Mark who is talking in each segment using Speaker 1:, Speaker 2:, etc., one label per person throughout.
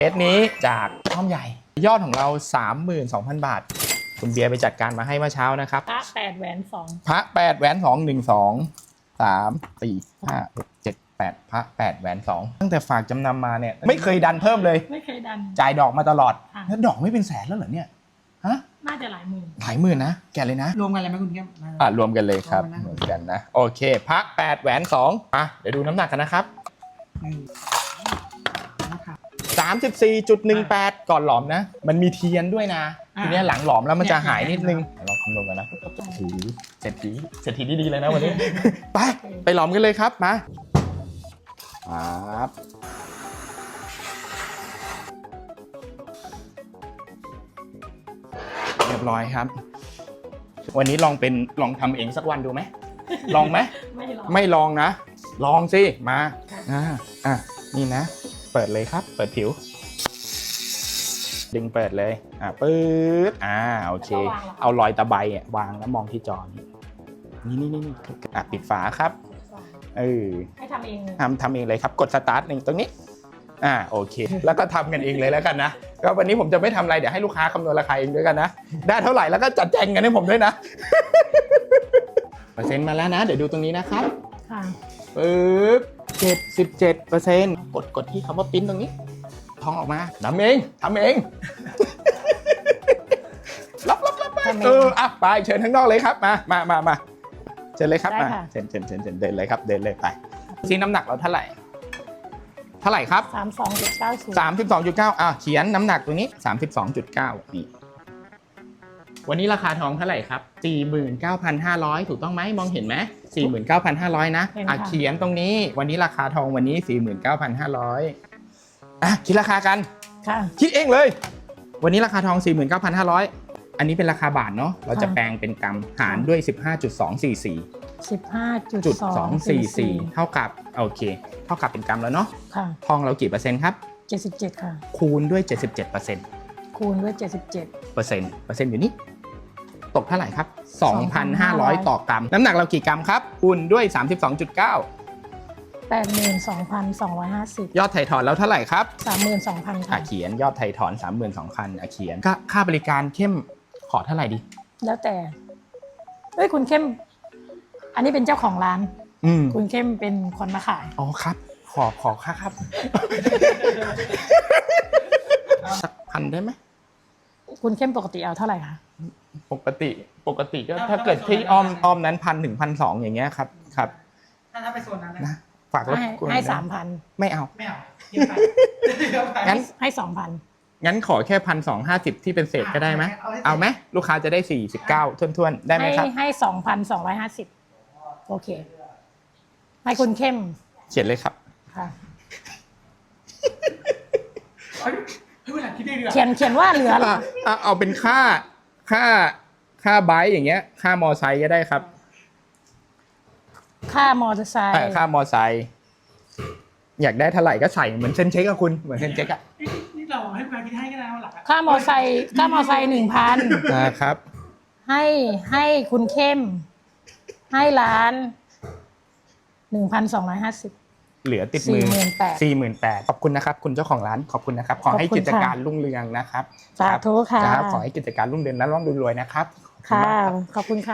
Speaker 1: เคสนี้จากอ้อมใหญ่ยอดของเรา 32,000 บาทคุณเบียร์ไปจัดการมาให้เมื่อเช้านะครับ
Speaker 2: พระ8 แหวน 2
Speaker 1: พระ8แหวน2 1 2 3 4 5 6 7 8พระ8แหวน2ตั้งแต่ฝากจำนำมาเนี่ยไม่เคยดันเพิ่มเลย
Speaker 2: ไม่เคยดัน
Speaker 1: จ่ายดอกมาตลอดแล้วดอกไม่เป็นแสนแล้วเหรอเนี่ยฮะ
Speaker 2: น่าจะหลายหมื่น
Speaker 1: นะแกเลยนะ
Speaker 3: รวมกันเลยไหมคุณแก้ม
Speaker 1: รวมกันเลยครับเหมือนกันนะโอเคพระ8แหวน2เดี๋ยวดูน้ำหนักกันนะครับ34.18 ก่อนหลอมนะมันมีเทียนด้วยนะทีนี้หลังหลอมแล้วมันจะหายนิดนึงลองคำนวณกันนะเศรษฐีดีๆเลยนะวันนี้ไปหลอมกันเลยครับมาครับเรียบร้อยครับวันนี้ลองทำเองสักวันดูไหมลองไหมไม่ลองนะลองสิมานี่นะเปิดเลยครับเปิดผิวดึงเปิดเลยปื๊ดโอเคเอารอยตะไบวางแล้วมองที่จอนี่ปิดฝาครับ
Speaker 2: ให้ทำเอง
Speaker 1: ทำเองเลยครับกดสตาร์ทตรงนี้โอเคแล้วก็ทำกันเองเลยแล้วกันนะก็วันนี้ผมจะไม่ทำอะไรเดี๋ยวให้ลูกค้าคำนวณราคาเองด้วยกันนะได้เท่าไหร่แล้วก็จัดแจงกันให้ผมด้วยนะเปอร์เซ็นต์มาแล้วนะเดี๋ยวดูตรงนี้นะครับปึ๊บ77%กดที่คำว่าปิ้นตรงนี้ทองออกมาทำเองรับไปเชิญข้างนอกเลยครับมาเชิญเลยครับมาเชิญเดินเลยครับเดินเลยไปซีน้ำหนักเราเท่าไหร่ครับ 32.9 เขียนน้ำหนักตรงนี้ 32.9 นี่วันนี้ราคาทองเท่าไหร่ครับ 49,500 ถูกต้องไหมมองเห็นไหม 49,500 นะเขียนตรงนี้วันนี้ราคาทองวันนี้ 49,500คิดราคากันคิดเองเลยวันนี้ราคาทอง 49,500 อันนี้เป็นราคาบาทเนาะเราจะแปลงเป็นกรัมหารด้วย 15.244 เท่ากับโอเคเท่ากับเป็นกรัมแล้วเนาะทองเรากี่เปอร์เซ็นต์ครับ
Speaker 2: 77ค่ะ
Speaker 1: คูณด้วย 77%
Speaker 2: คูณด้วย77%
Speaker 1: เปอร์เซ็นต์อยู่นี่ตกเท่าไหร่ครับ 2,500 ต่อกรัมน้ำหนักเรากี่กรัมครับคูณด้วย 32.9
Speaker 2: 82,250
Speaker 1: ยอดไถ่ถอนแล้วเท่าไหร่ครับ
Speaker 2: 32,000 ค่ะ
Speaker 1: เขียนยอดไถ่ถอน 32,000เขียนค่าบริการเข้มขอเท่าไหร่ดี
Speaker 2: แล้วแต่คุณเข้มอันนี้เป็นเจ้าของร้านคุณเข้มเป็นคนมาขาย
Speaker 1: อ๋อครับขอค่าครับสักพันได้ไหม
Speaker 2: คุณเข้มปกติเอาเท่าไหร่คะ
Speaker 1: ปกติก็ถ้าเกิดที่อ้อมนั้น1,000 ถึง 1,200 อย่างเงี้ยครับ
Speaker 3: ถ้าไปโซนนั้น
Speaker 1: นะฝาก
Speaker 2: ให้ 3,000
Speaker 1: ไม่เอา
Speaker 2: งั้นให้ 2,000
Speaker 1: งั้นขอแค่ 1,250 ที่เป็นเศษก็ได้ไหมเอาไหมลูกค้าจะได้49ท้วนๆได้ไหมครับ
Speaker 2: ให้ 2,250 โอเคให้คุณเข้ม
Speaker 1: เขียนเลยครับ
Speaker 2: ค่ะ
Speaker 3: เ
Speaker 2: ขียนว่าเหลือ
Speaker 1: เอาเป็นค่าไบค์อย่างเงี้ยค่ามอไซค์ก็ได้ครับ
Speaker 2: ค่ามอเตอร์ไซค์
Speaker 1: อยากได้เท่าไหร่ก็ใส่เหมือนเซ็นเช็คอะคุณเหมือนเซ็นเช็คอะ
Speaker 3: นี่เราให้การคิดให้ก็ได้ว่าหลัก
Speaker 2: ค่ามอเตอร์ไซค์ 1,000
Speaker 1: ครับ
Speaker 2: ให้คุณเข้มให้ร้าน 1,250
Speaker 1: เหลือติดมือ 48,000 ขอบคุณนะครับคุณเจ้าของร้านขอบคุณนะครับขอให้กิจการรุ่งเรืองนะครับ
Speaker 2: สาธุค่ะ
Speaker 1: ขอให้กิจการรุ่งเรืองและร่ำรวยนะครับ
Speaker 2: ค่ะขอบคุณค่ะ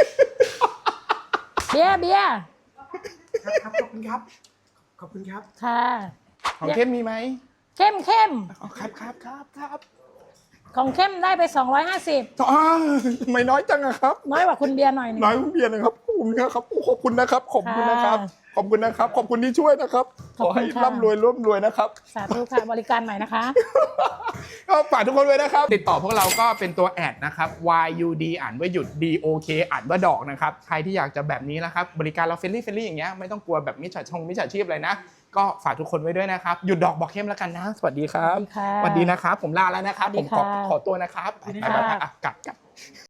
Speaker 2: เบียร์
Speaker 3: ครับขอบคุณครับ
Speaker 2: ค่ะ
Speaker 1: ของเข้มมีไหม
Speaker 2: เข้ม
Speaker 1: ครับ
Speaker 2: ของเข้มได้ไป250
Speaker 1: ทำไมน้อยจังอะครับ
Speaker 2: น้อยกว่าคุณเบียร์หน่อยนึง
Speaker 1: น้อยกว่าคุณเบียร์นะครับขอบคุณนะครับขอบคุณที่ช่วยนะครับขอให้ร่ำรวยนะครับ
Speaker 2: สาธุค่ะบริการใหม่นะคะ
Speaker 1: ก็ฝากทุกคนไว้นะครับติดต่อพวกเราก็เป็นตัวแอดนะครับ YUD อ่านว่าหยุด DOK อ่านว่าดอกนะครับใครที่อยากจะแบบนี้นะครับบริการเราเฟรนลี่อย่างเงี้ยไม่ต้องกลัวแบบมิจฉาชีพอะไรนะก็ฝากทุกคนไว้ด้วยนะครับหยุดดอกบอกเข้มแล้วกันนะสวัสดีครับสวัสดีนะครับผมลาแล้วนะครับผมขอตัวนะครับกลับ